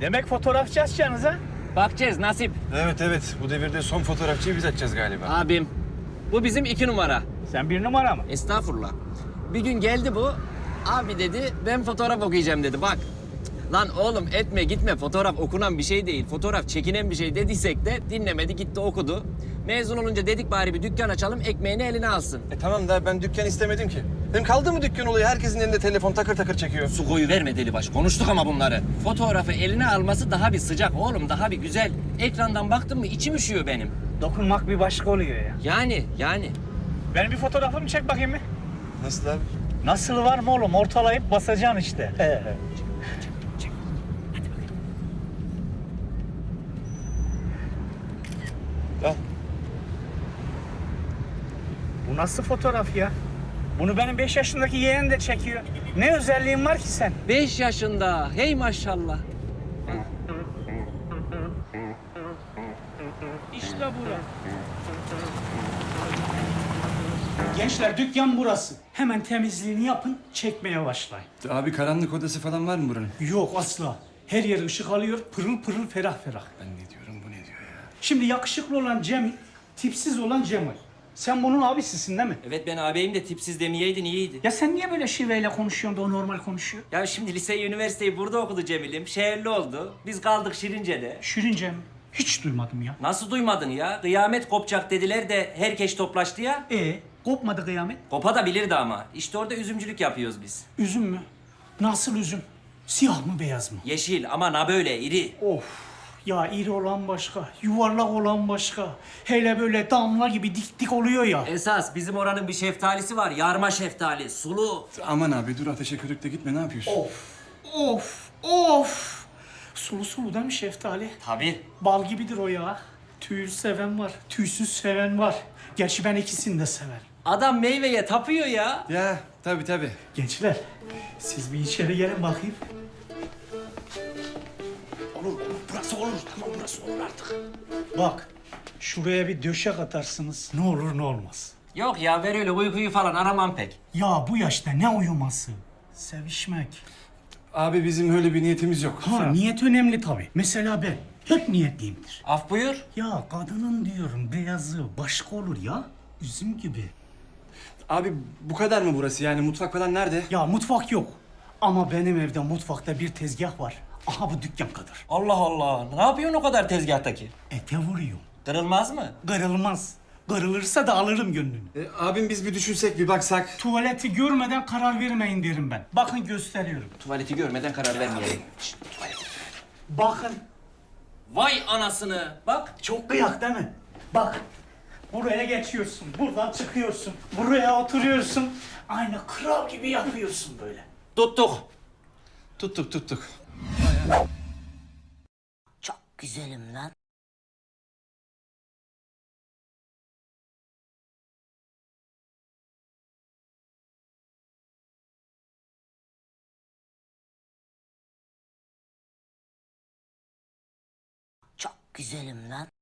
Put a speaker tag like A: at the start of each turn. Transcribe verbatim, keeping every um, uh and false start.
A: Demek fotoğrafçı açacaksınız ha?
B: Bakacağız nasip.
C: Evet evet, bu devirde son fotoğrafçıyı biz açacağız galiba.
B: Abim. Bu bizim iki numara.
A: Sen bir numara mı?
B: Estağfurullah. Bir gün geldi bu. Abi dedi ben fotoğraf okuyacağım dedi bak. Lan oğlum etme gitme fotoğraf okunan bir şey değil. Fotoğraf çekinen bir şey dediysek de dinlemedi gitti okudu. Mezun olunca dedik bari bir dükkan açalım ekmeğini eline alsın.
C: E tamam da ben dükkan istemedim ki. Hem kaldı mı dükkan olayı? Herkesin elinde telefon takır takır çekiyor.
B: Su koyu verme delibaş konuştuk ama bunları. Fotoğrafı eline alması daha bir sıcak oğlum daha bir güzel. Ekrandan baktın mı içim üşüyor benim.
A: Dokunmak bir başka oluyor ya.
B: Yani yani.
A: Benim bir fotoğrafımı çek bakayım mı?
C: Nasıl abi?
A: Nasıl var mı oğlum? Ortalayıp basacaksın işte.
C: Al.
A: Bu nasıl fotoğraf ya? Bunu benim beş yaşındaki yeğenim de çekiyor. Ne özelliğin var ki sen?
B: Beş yaşında hey maşallah.
A: İşte bura. Gençler dükkan burası. Hemen temizliğini yapın, çekmeye başlayın.
C: Abi karanlık odası falan var mı buranın?
A: Yok asla. Her yer ışık alıyor, pırıl pırıl, ferah ferah.
C: Ben ne diyorum, bu ne diyor ya?
A: Şimdi yakışıklı olan Cemil, tipsiz olan Cemal. Sen bunun abisisin değil mi?
B: Evet ben ağabeyim de tipsiz demeyeydin iyiydi.
A: Ya sen niye böyle şiveyle konuşuyorsun da o normal konuşuyor?
B: Ya şimdi liseyi, üniversiteyi burada okudu Cemil'im. Şehirli oldu. Biz kaldık Şirince'de.
A: Şirince mi? Hiç duymadım ya.
B: Nasıl duymadın ya? Kıyamet kopacak dediler de herkes toplaştı ya.
A: E kopmadı kıyamet.
B: Kopa da bilirdi ama. İşte orada üzümcülük yapıyoruz biz.
A: Üzüm mü? Nasıl üzüm? Siyah mı beyaz mı?
B: Yeşil ama na böyle iri.
A: Of. Ya iri olan başka, yuvarlak olan başka. Hele böyle damla gibi dik dik oluyor ya.
B: Esas bizim oranın bir şeftalisi var. Yarma şeftali, sulu.
C: Aman abi dur, ateşe körükle gitme, ne yapıyorsun?
A: Of, of, of. Sulu sulu değil mi şeftali?
B: Tabii.
A: Bal gibidir o ya. Tüylü seven var, tüysüz seven var. Gerçi ben ikisini de severim.
B: Adam meyveye tapıyor ya.
C: Ya tabii tabii.
A: Gençler, siz bir içeri gelin bakayım. Olur, olur. Burası olur. Tamam, burası olur artık. Bak, şuraya bir döşek atarsınız. Ne olur ne olmaz.
B: Yok ya ver öyle uykuyu falan aramam pek.
A: Ya bu yaşta ne uyuması? Sevişmek.
C: Abi bizim öyle bir niyetimiz yok.
A: Ha, niyet önemli tabii. Mesela ben hep niyetliyimdir.
B: Af buyur.
A: Ya kadının diyorum beyazı başka olur ya. Üzüm gibi.
C: Abi bu kadar mı burası, yani mutfak falan nerede?
A: Ya mutfak yok. Ama benim evde mutfakta bir tezgah var. Aha bu dükkan kadar.
B: Allah Allah. Ne yapıyorsun o kadar tezgahtaki?
A: Ete vuruyor.
B: Kırılmaz mı?
A: Kırılmaz. Kırılırsa da alırım gönlünü.
C: E, abim biz bir düşünsek, bir baksak.
A: Tuvaleti görmeden karar vermeyin derim ben. Bakın gösteriyorum.
B: Tuvaleti görmeden karar vermeyelim. Şşt, tuvalet.
A: Bakın.
B: Vay anasını. Bak.
A: Çok kıyak değil mi? Bak. Buraya geçiyorsun. Buradan çıkıyorsun. Buraya oturuyorsun. Aynı kral gibi yapıyorsun böyle.
B: Tuttuk.
C: Tuttuk tuttuk.
D: Çok güzelim lan. Çok güzelim lan.